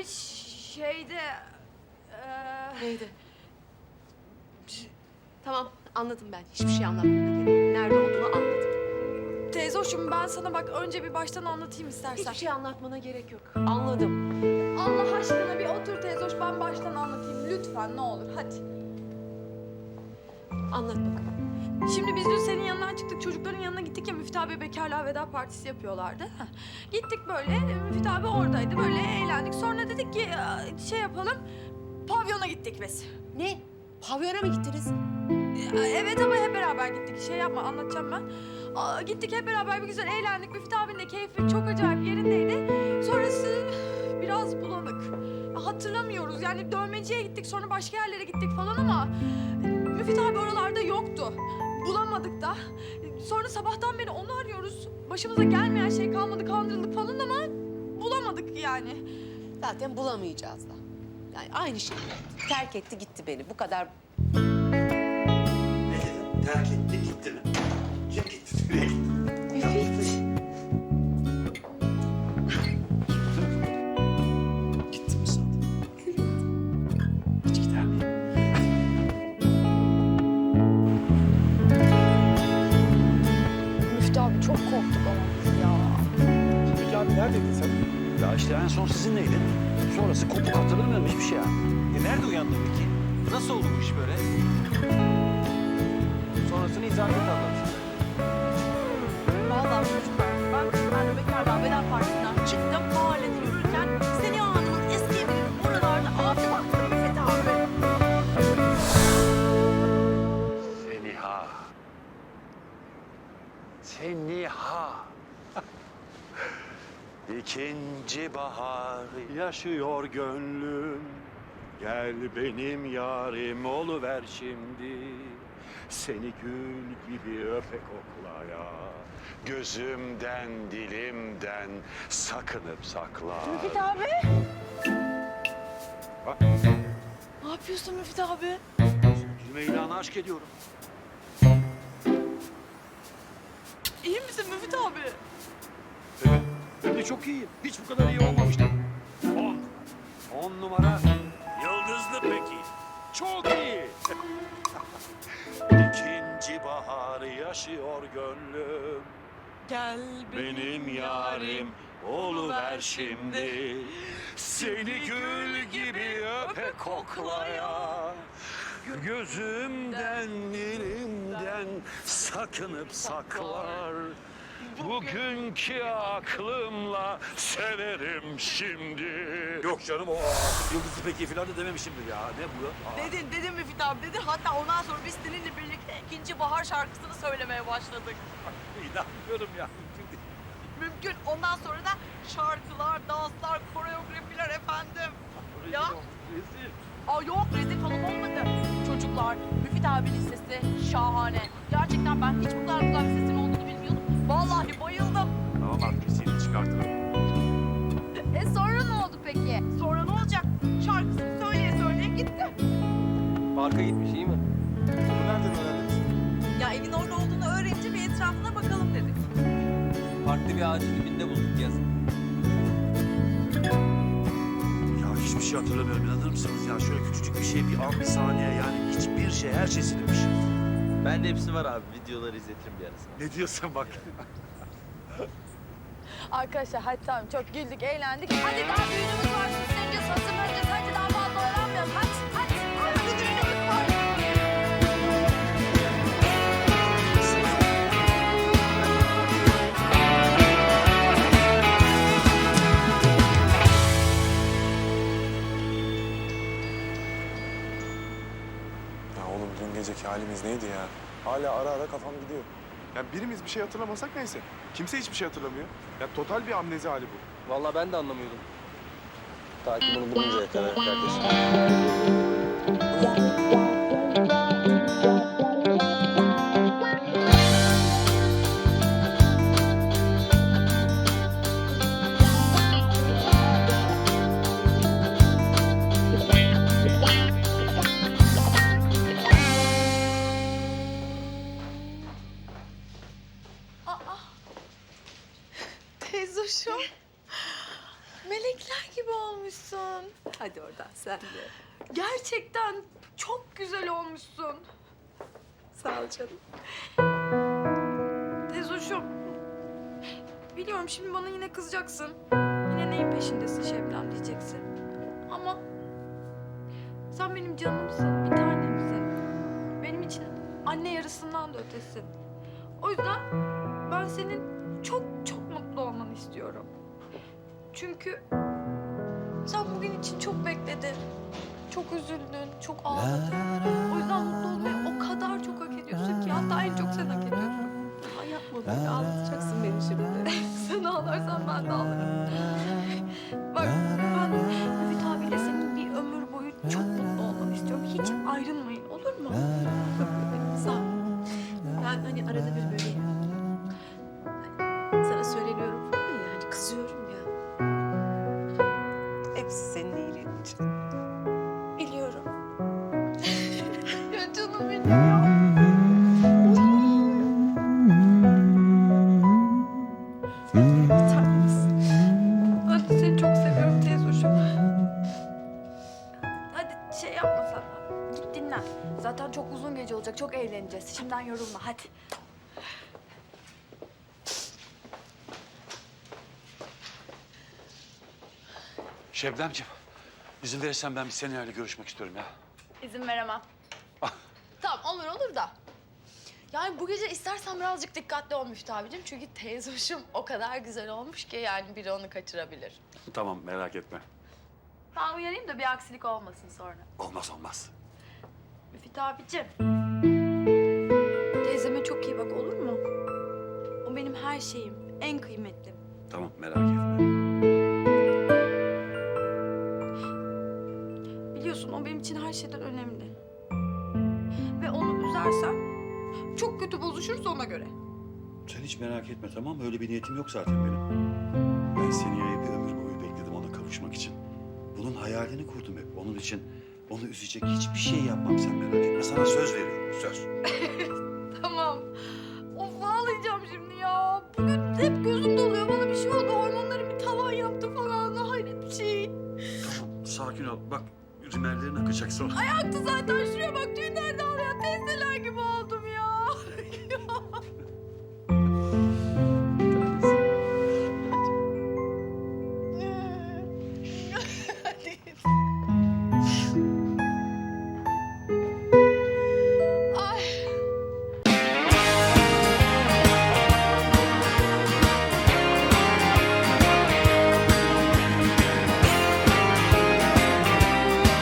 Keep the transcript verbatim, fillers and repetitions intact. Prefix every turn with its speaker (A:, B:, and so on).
A: şeyde... Ee...
B: Neydi? Tamam, anladım ben. Hiçbir şey anlatmana gerek yok. Nerede olduğunu anladım.
A: Teyze hoşum, ben sana bak önce bir baştan anlatayım istersen.
B: Hiçbir şey anlatmana gerek yok. Anladım.
A: Allah aşkına bir otur teyze hoş, ben baştan anlatayım. Lütfen ne olur, hadi.
B: Anlat bakalım.
A: Şimdi biz dün senin yanından çıktık, çocukların yanına gittik ya, Müftü abi bekarlığa veda partisi yapıyorlardı. Heh. Gittik böyle, Müftü abi oradaydı, böyle eğlendik. Sonra dedik ki şey yapalım, pavyona gittik biz.
B: Ne? Pavyona mı gittiniz?
A: Evet ama hep beraber gittik, şey yapma anlatacağım ben. Aa, gittik hep beraber bir güzel eğlendik, Müftü abinin de keyfi çok acayip yerindeydi. Sonrası biraz bulanık. Hatırlamıyoruz yani, dövmeciye gittik, sonra başka yerlere gittik falan ama... Müfit abi oralarda yoktu. Bulamadık da. Sonra sabahtan beri onu arıyoruz. Başımıza gelmeyen şey kalmadı, kandırıldık falan ama bulamadık yani.
B: Zaten bulamayacağız da. Yani aynı şey. Terk etti gitti beni. Bu kadar.
C: Ne dedin? Terk etti gitti mi? Kim gitti? Nereye gitti?
B: Müfit.
C: Gitti mi sandın? Hiç gider miyim?
A: Müftü abi çok korktuk ama biz ya.
D: Peki abi neredeydin sen?
C: Ya işte en son sizinleydin. Sonrası kopuk, hatırlamıyorum hiçbir şey ya.
D: E nerede uyandın peki? Nasıl oldu bu iş böyle? Sonrasını izah et anlat.
E: Vallahi çocuklar, ben ben de bekarlığa veda partisinden çıktım, mahallede yürürken Seniha Hanım'ın eski evinin oralarda abi baktım Müfit abi.
C: Seniha. Seniha. İkinci bahar yaşıyor gönlüm. Gel benim yarim oluver şimdi. Seni gül gibi öpe koklaya. Gözümden dilimden sakınıp sakla.
E: Müfit abi.
C: Bak.
E: Ne yapıyorsun Müfit abi?
C: Gülme ilanı aşk ediyorum.
E: İyi misin Müfit abi?
C: Evet. Ben de çok iyiyim. Hiç bu kadar iyi olmamıştım. On. On numara. Yıldızlı peki. Çok iyi. İkinci bahar yaşıyor gönlüm.
E: Gel
C: Benim yarim oluver şimdi. Seni gül gibi öpe koklaya. Gözümden dilimden sakınıp saklar. Bugünkü aklımla severim şimdi. Yok canım, o artık Yıldızlı Peki falan da dememişimdir ya. Ne bu? Aa.
E: Dedin, dedin Müfit abi dedin. Hatta ondan sonra biz seninle birlikte ikinci bahar şarkısını söylemeye başladık.
C: İnanmıyorum ya.
E: Mümkün. Ondan sonra da şarkılar, danslar, koreografiler efendim. Ya?
C: Rezil.
E: Aa yok, rezil falan olmadı. Çocuklar, Müfit abinin sesi şahane. Gerçekten ben hiç bu kadar güzel bir sesin olduğunu bilmiyordum. Vallahi bayıldım.
C: Tamam artık seni çıkartırım.
A: E sonra ne oldu peki?
E: Sonra ne olacak? Şarkısını söyleye söyleye gitti.
D: Parka gitmiş iyi mi? Bunu nereden öğrendiniz?
E: Ya evin orada olduğunu öğrenince bir etrafına bakalım dedik.
D: Parkta bir ağacın dibinde bulduk yazın.
C: Ya hiçbir şey hatırlamıyorum, inanır mısınız ya? Şöyle küçücük bir şey, bir an, bir saniye yani hiçbir şey, her şey silinmiş.
F: Bende hepsi var abi. Videoları izletirim bir arasına.
C: Ne diyorsun bak?
A: Arkadaşlar hadi tamam, çok güldük, eğlendik. Hadi daha düğünümüz var, süsleneceğiz, hazırlanacağız. Hadi daha fazla oyalanmayalım. Hadi, hadi. Hadi düğünümüz var.
G: Ya oğlum dün geceki halimiz neydi ya? Hala ara ara kafam gidiyor. Ya birimiz bir şey hatırlamasak neyse. Kimse hiçbir şey hatırlamıyor. Ya total bir amnezi hali bu.
D: Vallahi ben de anlamıyordum. Ta ki bunu buluncaya kadar kardeşim.
A: Teyzoşum. Melekler gibi olmuş. olmuşsun.
B: Hadi oradan sen de.
A: Gerçekten çok güzel olmuşsun.
B: Sağ ol canım.
A: Tezoşum. Biliyorum şimdi bana yine kızacaksın. Yine neyin peşindesin Şebnem diyeceksin. Ama sen benim canımsın, bir tanemsin. Benim için anne yarısından da ötesin. O yüzden ben senin çok çok mutlu olmanı istiyorum. Çünkü sen bugün için çok bekledin. Çok üzüldün, çok ağladın. O yüzden mutlu olmayı o kadar çok hak ediyorsun ki hatta en çok sen hak ediyorsun.
B: Ay yapma böyle ağlatacaksın beni şimdi.
A: Sen ağlarsan ben de ağlarım. Bak ben Müfit abiyle senin bir ömür boyu çok mutlu olmanı istiyorum. Hiç ayrılmayın olur mu?
B: Sağ ol. Ben hani arada bir böyle hani sana söyleniyorum falan ya, hani kızıyorum ya. Hepsi senin iyiliğin için.
A: Biliyorum. Ya canım benim ya.
B: Bir tanemsin.
A: Ben de seni çok seviyorum teyzoşum. Hadi şey yapma sen. Git dinlen. Zaten çok uzun gece olacak. Çok eğleneceğiz. Şimdiden yorulma hadi.
C: Şebnemciğim, izin verirsen ben bir seninle görüşmek istiyorum ya.
E: İzin veremem. Tamam olur olur da. Yani bu gece istersen birazcık dikkatli ol Müftü abicim. Çünkü teyze hoşum o kadar güzel olmuş ki yani biri onu kaçırabilir.
C: Tamam, merak etme.
E: Ben uyarayım da bir aksilik olmasın sonra.
C: Olmaz olmaz.
A: Müfit abicim. Teyzeme çok iyi bak olur mu? O benim her şeyim. En kıymetlim.
C: Tamam, merak etme.
A: Biliyorsun o benim için her şeyden önemli. Ve onu üzersen çok kötü bozuşuruz ona göre.
C: Sen hiç merak etme tamam mı? Öyle bir niyetim yok zaten benim. Ben Seniye'yi bir ömür boyu bekledim ona kavuşmak için. Bunun hayalini kurdum hep. Onun için onu üzecek hiçbir şey yapmam sen merak etme. Sana söz veriyorum, söz.
A: Tamam. Of ağlayacağım şimdi ya. Bugün hep gözüm doluyor. Bana bir şey oldu. Hormonlarım bir tavan yaptı falan. Hayret bir şey.
C: Tamam, sakin ol. Bak, rimellerin akacak sonra.
A: Aktı zaten. Şuraya bak. Düğünlerde ağlayan teyzeler gibi oldu.